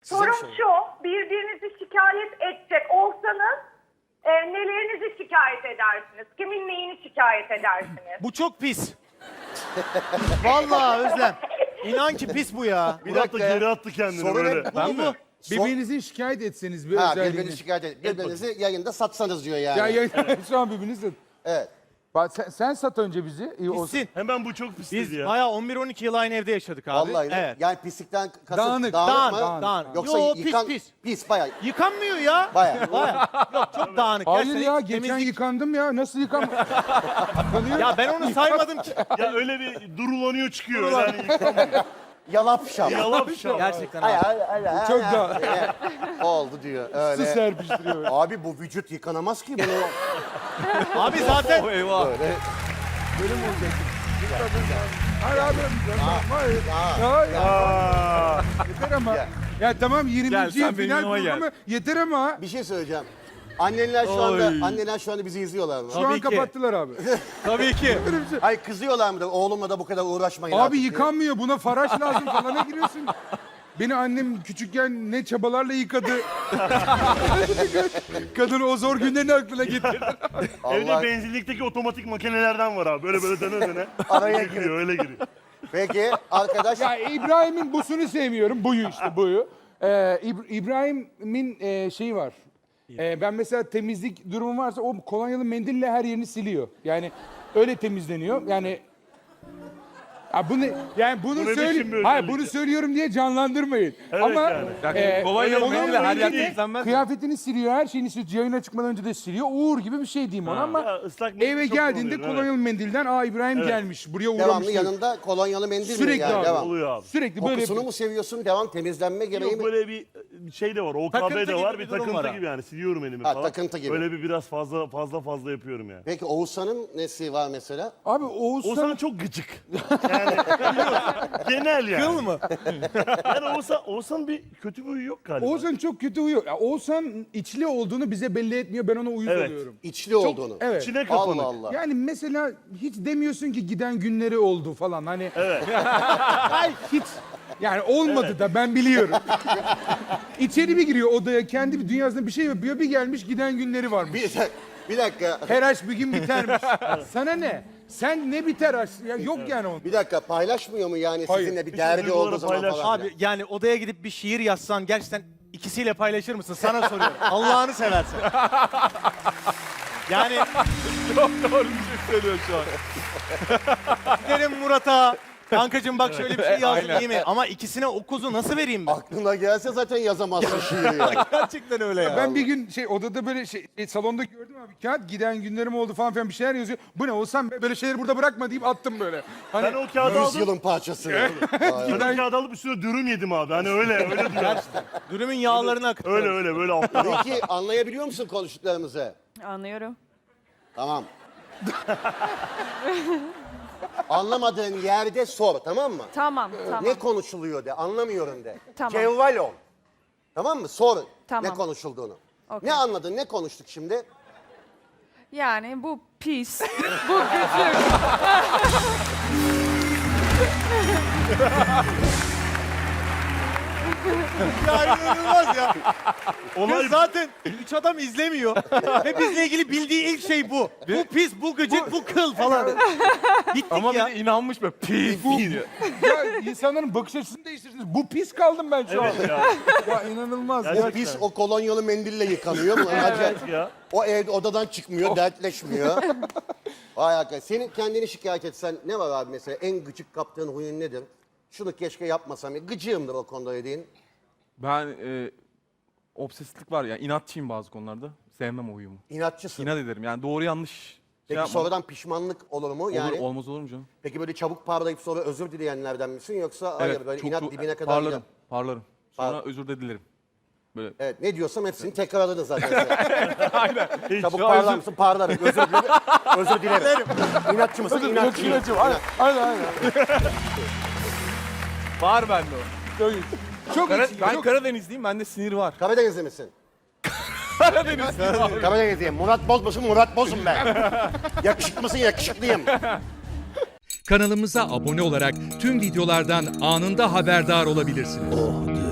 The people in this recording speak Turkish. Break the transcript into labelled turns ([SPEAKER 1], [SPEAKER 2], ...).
[SPEAKER 1] Sorum şu, birbirinizi şikayet edecek olsanız nelerinizi şikayet edersiniz? Kimin neyini şikayet edersiniz?
[SPEAKER 2] Bu çok pis. Vallahi Özlem. İnan ki pis bu ya.
[SPEAKER 3] Murat da geri attı kendini
[SPEAKER 4] Sorun
[SPEAKER 3] böyle.
[SPEAKER 4] hep bu
[SPEAKER 2] Ben bu.
[SPEAKER 5] Birbirinizin şikayet etseniz bir
[SPEAKER 4] Ha,
[SPEAKER 5] özelliğini.
[SPEAKER 4] birbirini şikayet edin. Birbirinizi yayında satsanız diyor yani.
[SPEAKER 5] Ya şu an birbirinizi.
[SPEAKER 4] Evet.
[SPEAKER 5] Bak sen sat önce bizi. İyi olsun.
[SPEAKER 2] Pissin.
[SPEAKER 3] Hemen bu çok pis
[SPEAKER 2] Biz
[SPEAKER 3] dedi ya.
[SPEAKER 2] bayağı 11-12 yıl aynı evde yaşadık abi.
[SPEAKER 4] Vallahi de.
[SPEAKER 2] Evet.
[SPEAKER 4] Yani pislikten kasıt
[SPEAKER 5] Dağınık,
[SPEAKER 4] dağınık mı?
[SPEAKER 2] dağınık.
[SPEAKER 4] Yoksa
[SPEAKER 2] Yo,
[SPEAKER 4] yıkan...
[SPEAKER 2] pis.
[SPEAKER 4] Pis bayağı.
[SPEAKER 2] Yıkanmıyor ya.
[SPEAKER 4] Bayağı.
[SPEAKER 2] Bayağı. Yok çok dağınık.
[SPEAKER 5] Hayır
[SPEAKER 2] Gerçekten
[SPEAKER 5] ya
[SPEAKER 2] hiç
[SPEAKER 5] geçen
[SPEAKER 2] temizlik-
[SPEAKER 5] yıkandım ya. Nasıl yıkandım?
[SPEAKER 2] Ya ben onu saymadım ki.
[SPEAKER 3] Ya öyle bir durulanıyor çıkıyor.
[SPEAKER 2] Durulan-
[SPEAKER 3] Yani
[SPEAKER 4] Yalap şap.
[SPEAKER 3] yalap şap.
[SPEAKER 2] Gerçekten
[SPEAKER 4] Ay,
[SPEAKER 2] abi.
[SPEAKER 4] ay, ay,
[SPEAKER 5] Çok
[SPEAKER 4] ay,
[SPEAKER 5] da-
[SPEAKER 4] ay. Oldu diyor.
[SPEAKER 5] Su
[SPEAKER 4] Öyle.
[SPEAKER 5] serpiştiriyor.
[SPEAKER 4] Abi bu vücut yıkanamaz ki bunu.
[SPEAKER 2] Abi zaten
[SPEAKER 4] Böyle.
[SPEAKER 5] Hayır abi. Hayır. Hayır.
[SPEAKER 3] Aa,
[SPEAKER 5] Yeter ama. Ya tamam 20.
[SPEAKER 6] Gel, sen
[SPEAKER 5] yıl
[SPEAKER 6] benim
[SPEAKER 5] final
[SPEAKER 6] yanıma gel.
[SPEAKER 5] programı yeter ama.
[SPEAKER 4] Bir şey söyleyeceğim. Anneler şu anda bizi izliyorlar mı?
[SPEAKER 5] Şu an
[SPEAKER 2] Tabii ki.
[SPEAKER 5] kapattılar abi.
[SPEAKER 2] tabii ki.
[SPEAKER 4] Hayır kızıyorlar mı da oğlumla da bu kadar uğraşmayın
[SPEAKER 5] Abi
[SPEAKER 4] artık diye.
[SPEAKER 5] yıkanmıyor. Buna faraş lazım falan. Ne giriyorsun? Beni annem küçükken ne çabalarla yıkadı. Kadın o zor günlerini aklına getirdi.
[SPEAKER 3] evde
[SPEAKER 4] Allah-
[SPEAKER 3] benzinlikteki otomatik makinelerden var abi. Böyle böyle döne.
[SPEAKER 4] Araya
[SPEAKER 3] Öyle giriyor, öyle giriyor.
[SPEAKER 4] Peki arkadaş
[SPEAKER 5] Ya İbrahim'in busunu sevmiyorum. Buyu işte buyu. İbrahim'in şeyi var. Ben mesela temizlik durumu varsa o kolonyalı mendille her yerini siliyor. Yani öyle temizleniyor. Yani ya bunu yani bunu
[SPEAKER 3] Bu ne biçim
[SPEAKER 5] söyle.
[SPEAKER 3] bir
[SPEAKER 5] Hayır
[SPEAKER 3] özellik?
[SPEAKER 5] bunu söylüyorum diye canlandırmayın. Ama
[SPEAKER 3] yani.
[SPEAKER 6] Kolonya
[SPEAKER 5] onun
[SPEAKER 6] mendille her yer
[SPEAKER 5] önünde
[SPEAKER 6] temizlenmez mi?
[SPEAKER 5] kıyafetini siliyor, her şeyini siliyor. Yayına çıkmadan önce de siliyor. Uğur gibi bir şey diyeyim ona ama
[SPEAKER 3] Ya, ıslak mendil
[SPEAKER 5] eve
[SPEAKER 3] çok
[SPEAKER 5] geldiğinde
[SPEAKER 3] kullanıyorum,
[SPEAKER 5] kolonyalı mendilden İbrahim gelmiş. Buraya uğramış.
[SPEAKER 4] devamlı
[SPEAKER 5] diyor.
[SPEAKER 4] yanında kolonyalı mendil mi
[SPEAKER 5] Sürekli
[SPEAKER 4] yani?
[SPEAKER 5] abi.
[SPEAKER 4] Devam.
[SPEAKER 3] Oluyor abi.
[SPEAKER 5] Sürekli böyle
[SPEAKER 4] Kokusunu mu seviyorsun? Devam temizlenme gereği
[SPEAKER 3] Yok
[SPEAKER 4] mi?
[SPEAKER 3] böyle bir şey de var. OKB
[SPEAKER 2] Takıntı
[SPEAKER 3] de
[SPEAKER 2] gibi
[SPEAKER 3] var.
[SPEAKER 2] bir
[SPEAKER 3] Bir
[SPEAKER 2] durum
[SPEAKER 3] takıntı
[SPEAKER 2] var
[SPEAKER 3] gibi yani. Siliyorum elimi
[SPEAKER 4] Ha,
[SPEAKER 3] falan.
[SPEAKER 4] takıntı gibi.
[SPEAKER 3] Böyle bir biraz fazla yapıyorum yani.
[SPEAKER 4] Peki Oğuzhan'ın nesi var mesela?
[SPEAKER 5] Abi
[SPEAKER 3] O
[SPEAKER 5] Oğuzhan
[SPEAKER 3] sana çok gıcık. Yani genel yani.
[SPEAKER 2] Kıl mı?
[SPEAKER 3] Yani Oğuzhan bir kötü bir huyu yok galiba.
[SPEAKER 5] Oğuzhan çok kötü uyuyor. Ya Oğuzhan içli olduğunu bize belli etmiyor. Ben ona uyuz
[SPEAKER 3] Evet.
[SPEAKER 5] oluyorum.
[SPEAKER 4] İçli olduğunu.
[SPEAKER 5] Evet.
[SPEAKER 3] İçine kapanık.
[SPEAKER 4] Allah Allah.
[SPEAKER 5] Yani mesela hiç demiyorsun ki giden günleri oldu falan. Hani
[SPEAKER 3] Evet.
[SPEAKER 5] hiç yani olmadı da ben biliyorum. İçeri bir giriyor odaya kendi bir dünyasında bir şey yapıyor. Bir gelmiş giden günleri varmış.
[SPEAKER 4] Bir dakika.
[SPEAKER 5] Her aşk bir gün bitermiş. Sana ne? Sen ne biter aşk? Ya yok yani onun.
[SPEAKER 4] Bir dakika paylaşmıyor mu yani
[SPEAKER 5] Hayır.
[SPEAKER 4] sizinle bir
[SPEAKER 3] Hiç
[SPEAKER 4] derdi
[SPEAKER 3] duyguları
[SPEAKER 4] olduğu zaman
[SPEAKER 3] paylaş-
[SPEAKER 4] falan?
[SPEAKER 2] Abi yani odaya gidip bir şiir yazsan gerçekten ikisiyle paylaşır mısın? Sana soruyorum. Allah'ını seversen. Yani
[SPEAKER 6] Çok doğru bir şey söylüyor şu an.
[SPEAKER 2] derim Murat'a. Kankacığım bak şöyle bir şey yazdım iyi mi? Ama ikisine o kuzu nasıl vereyim ben?
[SPEAKER 4] Aklına gelse zaten yazamazsın şiiri yani.
[SPEAKER 2] Gerçekten öyle ya.
[SPEAKER 5] Ben bir gün odada böyle salonda gördüm abi kağıt giden günlerim oldu falan filan bir şeyler yazıyor. Bu ne olsam böyle şeyleri burada bırakma deyip attım böyle. Hani
[SPEAKER 3] Ben o kağıdı
[SPEAKER 4] 100
[SPEAKER 3] aldım.
[SPEAKER 4] yılın parçası.
[SPEAKER 3] Ben o kağıdı alıp üstüne dürüm yedim abi. Hani öyle diyor.
[SPEAKER 2] Dürümün yağlarını akıtıyorum.
[SPEAKER 3] Öyle böyle altları.
[SPEAKER 4] Peki anlayabiliyor musun konuştuklarımızı?
[SPEAKER 1] Anlıyorum.
[SPEAKER 4] Tamam. Anlamadığın yerde sor, tamam mı?
[SPEAKER 1] Tamam.
[SPEAKER 4] Ne konuşuluyor de, anlamıyorum de.
[SPEAKER 1] Tamam.
[SPEAKER 4] Cevval ol. Tamam mı? Sor
[SPEAKER 1] Tamam.
[SPEAKER 4] ne konuşulduğunu.
[SPEAKER 1] Okey.
[SPEAKER 4] Ne anladın, ne konuştuk şimdi?
[SPEAKER 1] Yani bu pis, bu kötü.
[SPEAKER 2] Ya inanılmaz ya.
[SPEAKER 3] Olay
[SPEAKER 2] Kız zaten üç adam izlemiyor. Ve bizle ilgili bildiği ilk şey bu. Bu pis, bu gıcık, bu kıl falan. Bittik
[SPEAKER 6] Ama bir
[SPEAKER 2] ya.
[SPEAKER 6] de inanmış böyle pis diyor.
[SPEAKER 5] ya insanların bakış açısını değiştirdiniz. Bu pis kaldım ben şu an.
[SPEAKER 3] evet ya.
[SPEAKER 5] Ya inanılmaz.
[SPEAKER 4] O pis o kolonyalı mendille yıkanıyor mu?
[SPEAKER 3] Evet ya.
[SPEAKER 4] O ev odadan çıkmıyor, dertleşmiyor. Vay arkadaş. Senin kendini şikayet etsen ne var abi mesela? En gıcık kaptığın huyun nedir? Şunu keşke yapmasam. Gıcığımdır o konuda dediğin.
[SPEAKER 6] Ben obsesiflik var ya, inatçıyım bazı konularda. Sevmem o uyumu.
[SPEAKER 4] İnatçısın.
[SPEAKER 6] İnat ederim yani doğru yanlış şey
[SPEAKER 4] Peki
[SPEAKER 6] yapmam.
[SPEAKER 4] sonradan pişmanlık olur mu? Yani
[SPEAKER 6] Olur, olmaz olur mu canım?
[SPEAKER 4] peki böyle çabuk parlayıp sonra özür dileyenlerden misin yoksa hayır böyle inat dibine kadar
[SPEAKER 6] parlarım,
[SPEAKER 4] gider?
[SPEAKER 6] parlarım. Sonra özür de dilerim. Böyle.
[SPEAKER 4] Evet ne diyorsam hepsini tekrarladın zaten sen.
[SPEAKER 3] Hiç.
[SPEAKER 4] Çabuk
[SPEAKER 6] Ya
[SPEAKER 4] parlar
[SPEAKER 6] özür-
[SPEAKER 4] mısın? Parlarım. Özür dilerim. Özür dilerim. İnatçı mısın? İnatçıyım.
[SPEAKER 5] Aynen.
[SPEAKER 6] Var bende o.
[SPEAKER 5] Çok
[SPEAKER 6] Ben
[SPEAKER 5] çok
[SPEAKER 6] Karadenizliyim, bende sinir var.
[SPEAKER 4] Karadenizli misin?
[SPEAKER 6] Karadenizliyim abi.
[SPEAKER 4] Karadenizliyim. Murat Boz musun? Murat Boz'um ben. Yakışıklı mısın? Yakışıklıyım.
[SPEAKER 7] Kanalımıza abone olarak tüm videolardan anında haberdar olabilirsiniz.